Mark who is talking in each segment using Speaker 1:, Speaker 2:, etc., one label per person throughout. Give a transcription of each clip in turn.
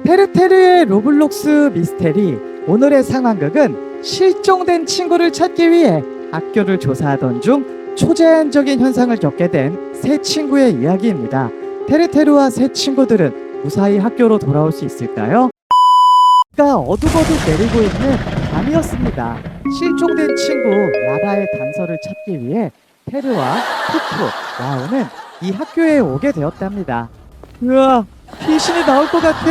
Speaker 1: 테르테르의 로블록스 미스테리. 오늘의 상황극은 실종된 친구를 찾기 위해 학교를 조사하던 중 초자연적인 현상을 겪게 된 세 친구의 이야기입니다. 테르테르와 세 친구들은 무사히 학교로 돌아올 수 있을까요? 비가 어둑어둑 내리고 있는 밤이었습니다. 실종된 친구 라라의 단서를 찾기 위해 테르와 푸푸, 와우는 이 학교에 오게 되었답니다. 우와, 귀신이 나올 것 같아.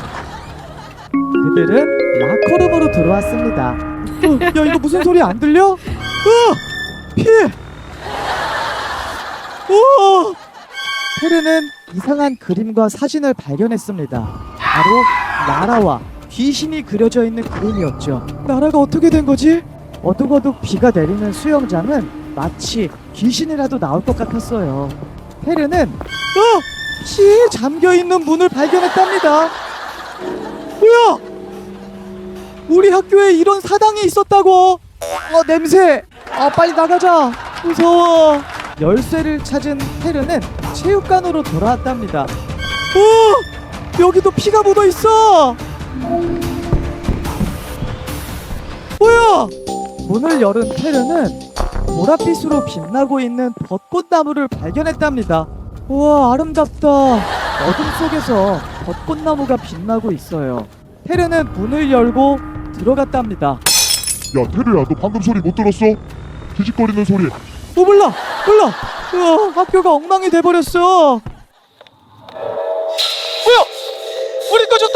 Speaker 1: 그들은 라커룸으로 들어왔습니다. 야, 이거 무슨 소리 안 들려? 피해! 오! 테르는 이상한 그림과 사진을 발견했습니다. 바로 라라와 귀신이 그려져 있는 그림이었죠. 라라가 어떻게 된 거지? 어둑어둑 비가 내리는 수영장은 마치 귀신이라도 나올 것 같았어요. 테르는 피에 잠겨있는 문을 발견했답니다. 뭐야? 우리 학교에 이런 사당이 있었다고? 냄새! 빨리 나가자! 무서워! 열쇠를 찾은 테르는 체육관으로 돌아왔답니다. 여기도 피가 묻어있어! 뭐야! 문을 열은 테르는 보랏빛으로 빛나고 있는 벚꽃나무를 발견했답니다. 우와, 아름답다. 어둠 속에서 벚꽃나무가 빛나고 있어요. 테르는 문을 열고 들어갔답니다.
Speaker 2: 야 테르야, 너 방금 소리 못 들었어? 뒤집거리는 소리.
Speaker 1: 몰라. 우와, 학교가 엉망이 돼버렸어. 뭐야? 불이 꺼졌다.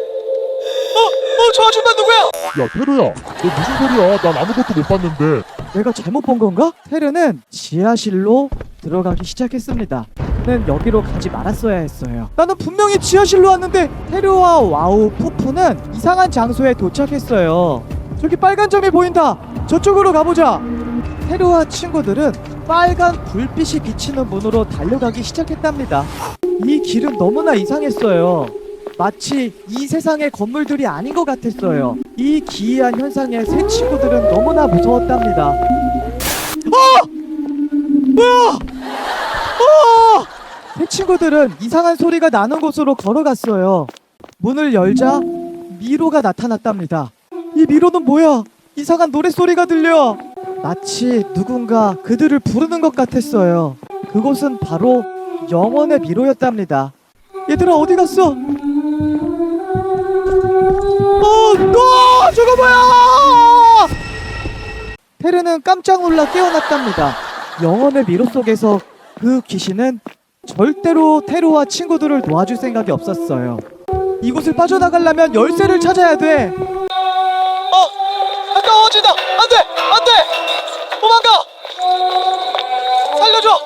Speaker 1: 저 아줌마 누구야?
Speaker 2: 야 테르야, 너 무슨 소리야? 난 아무것도 못 봤는데.
Speaker 1: 내가 잘못 본 건가? 테르는 지하실로 들어가기 시작했습니다. 는 여기로 가지 말았어야 했어요. 나는 분명히 지하실로 왔는데. 테르와 와우, 푸푸는 이상한 장소에 도착했어요. 저기 빨간 점이 보인다. 저쪽으로 가보자. 테르와 친구들은 빨간 불빛이 비치는 문으로 달려가기 시작했답니다. 이 길은 너무나 이상했어요. 마치 이 세상의 건물들이 아닌 것 같았어요. 이 기이한 현상에 새 친구들은 너무나 무서웠답니다. 뭐야? 새 친구들은 이상한 소리가 나는 곳으로 걸어갔어요. 문을 열자 미로가 나타났답니다. 이 미로는 뭐야? 이상한 노랫소리가 들려. 마치 누군가 그들을 부르는 것 같았어요. 그곳은 바로 영혼의 미로였답니다. 얘들아, 어디 갔어? 저거 뭐야! 테르는 깜짝 놀라 깨어났답니다. 영혼의 미로 속에서 그 귀신은 절대로 테르와 친구들을 도와줄 생각이 없었어요. 이곳을 빠져나가려면 열쇠를 찾아야 돼. 가까워진다. 안돼! 도망가! 살려줘!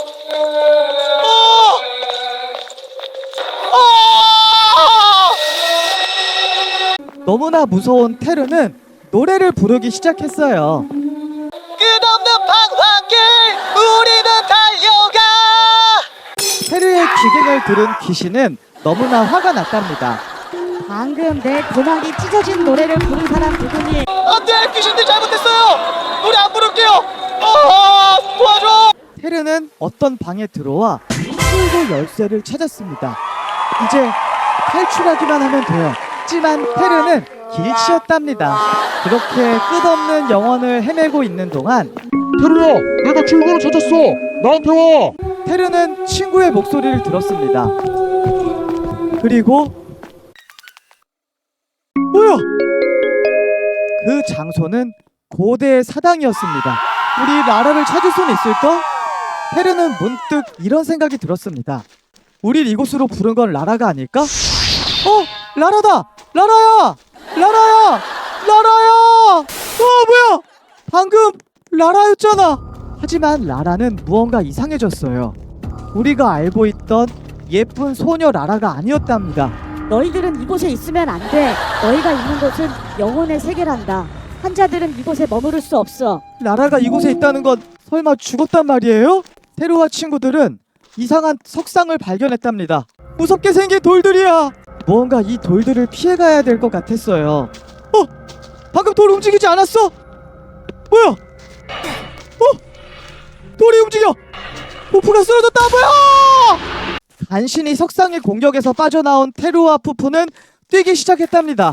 Speaker 1: 너무나 무서운 테르는 노래를 부르기 시작했어요. 끝없는 방황길 우리는 달려가. 테르의 기갱을 들은 귀신은 너무나 화가 났답니다.
Speaker 3: 방금 내 고막이 찢어진 노래를 부른 사람 누구니?
Speaker 1: 안돼! 귀신들 잘못했어요! 노래 안 부를게요! 도와줘! 테르는 어떤 방에 들어와 출구 열쇠를 찾았습니다. 이제 탈출하기만 하면 돼요. 하지만 테르는 길치였답니다. 그렇게 끝없는 영혼을 헤매고 있는 동안
Speaker 2: 테르야, 내가 출구를 찾았어. 나한테 와.
Speaker 1: 테르는 친구의 목소리를 들었습니다. 그리고 뭐야? 그 장소는 고대의 사당이었습니다. 우리 라라를 찾을 수는 있을까? 테르는 문득 이런 생각이 들었습니다. 우릴 이곳으로 부른 건 라라가 아닐까? 라라다! 라라야! 뭐야! 방금 라라였잖아! 하지만 라라는 무언가 이상해졌어요. 우리가 알고 있던 예쁜 소녀 라라가 아니었답니다.
Speaker 3: 너희들은 이곳에 있으면 안 돼. 너희가 있는 곳은 영혼의 세계란다. 환자들은 이곳에 머무를 수 없어.
Speaker 1: 라라가 이곳에 있다는 건 설마 죽었단 말이에요? 테르와 친구들은 이상한 석상을 발견했답니다. 무섭게 생긴 돌들이야. 무언가 이 돌들을 피해가야 될 것 같았어요. 방금 돌 움직이지 않았어? 뭐야? 돌이 움직여! 푸푸가 쓰러졌다! 뭐야! 간신히 석상의 공격에서 빠져나온 테루와 푸푸는 뛰기 시작했답니다.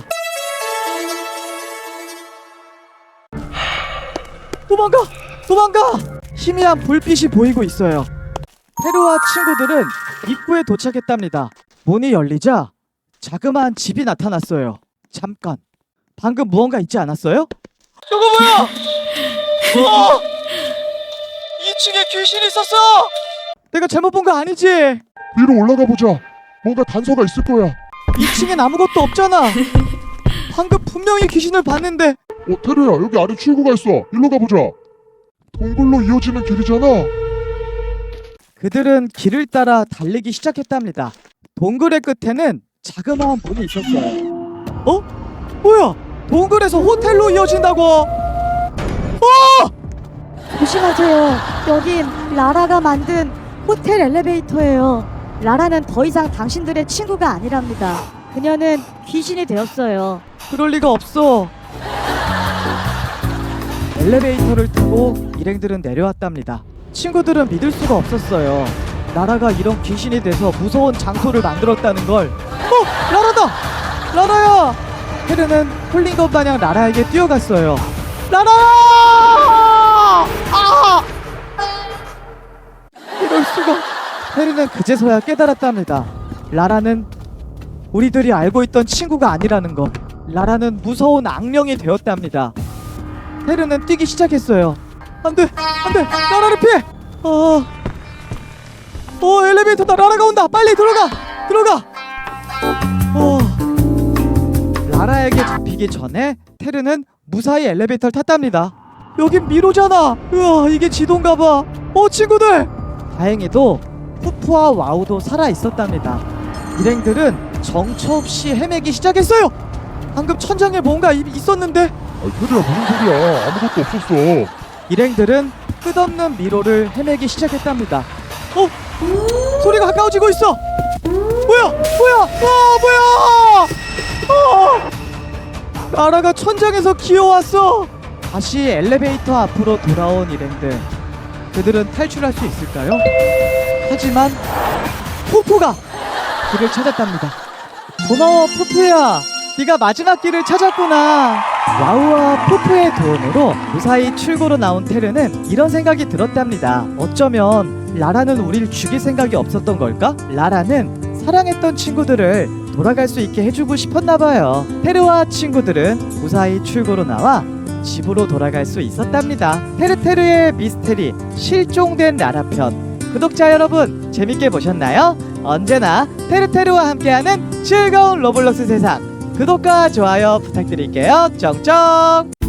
Speaker 1: 도망가! 도망가! 희미한 불빛이 보이고 있어요. 테루와 친구들은 입구에 도착했답니다. 문이 열리자 자그마한 집이 나타났어요. 잠깐, 방금 무언가 있지 않았어요? 저거 뭐야! 우와! 2층에 귀신이 있었어! 내가 잘못 본 거 아니지?
Speaker 2: 위로 올라가 보자. 뭔가 단서가 있을 거야.
Speaker 1: 2층엔 아무것도 없잖아. 방금 분명히 귀신을 봤는데.
Speaker 2: 테루야, 여기 아래 출구가 있어. 일로 가보자. 동굴로 이어지는 길이잖아.
Speaker 1: 그들은 길을 따라 달리기 시작했답니다. 동굴의 끝에는 자그마한 문이 있었어요. 어? 뭐야? 동굴에서 호텔로 이어진다고?
Speaker 3: 조심하세요. 여긴 라라가 만든 호텔 엘리베이터예요. 라라는 더 이상 당신들의 친구가 아니랍니다. 그녀는 귀신이 되었어요.
Speaker 1: 그럴 리가 없어. 엘리베이터를 타고 일행들은 내려왔답니다. 친구들은 믿을 수가 없었어요. 라라가 이런 귀신이 돼서 무서운 장소를 만들었다는 걸. 라라다! 라라야! 헤르는 홀린 것 마냥 라라에게 뛰어갔어요. 라라야! 아! 이럴 수가. 헤르는 그제서야 깨달았답니다. 라라는 우리들이 알고 있던 친구가 아니라는 것. 라라는 무서운 악령이 되었답니다. 헤르는 뛰기 시작했어요. 안돼! 안돼! 라라를 피해! 엘리베이터다! 라라가 온다! 빨리 들어가! 들어가! 라라에게 잡히기 전에 테르는 무사히 엘리베이터를 탔답니다. 여긴 미로잖아! 우와, 이게 지도인가봐! 친구들! 다행히도 푸푸와 와우도 살아있었답니다. 일행들은 정처 없이 헤매기 시작했어요! 방금 천장에 뭔가 있었는데?
Speaker 2: 테루야, 무슨 소리야. 아무것도 없었어.
Speaker 1: 일행들은 끝없는 미로를 헤매기 시작했답니다. 소리가 가까워지고 있어. 뭐야? 라라가 천장에서 기어왔어. 다시 엘리베이터 앞으로 돌아온 일행들. 그들은 탈출할 수 있을까요? 하지만 푸푸가 길을 찾았답니다. 고마워, 푸푸야. 네가 마지막 길을 찾았구나. 와우와 푸푸의 도움으로 무사히 출구로 나온 테르는 이런 생각이 들었답니다. 어쩌면 라라는 우릴 죽일 생각이 없었던 걸까? 라라는 사랑했던 친구들을 돌아갈 수 있게 해주고 싶었나봐요. 테르와 친구들은 무사히 출구로 나와 집으로 돌아갈 수 있었답니다. 테르테르의 미스테리 실종된 라라 편, 구독자 여러분 재밌게 보셨나요? 언제나 테르테르와 함께하는 즐거운 로블록스 세상, 구독과 좋아요 부탁드릴게요. 쩡쩡.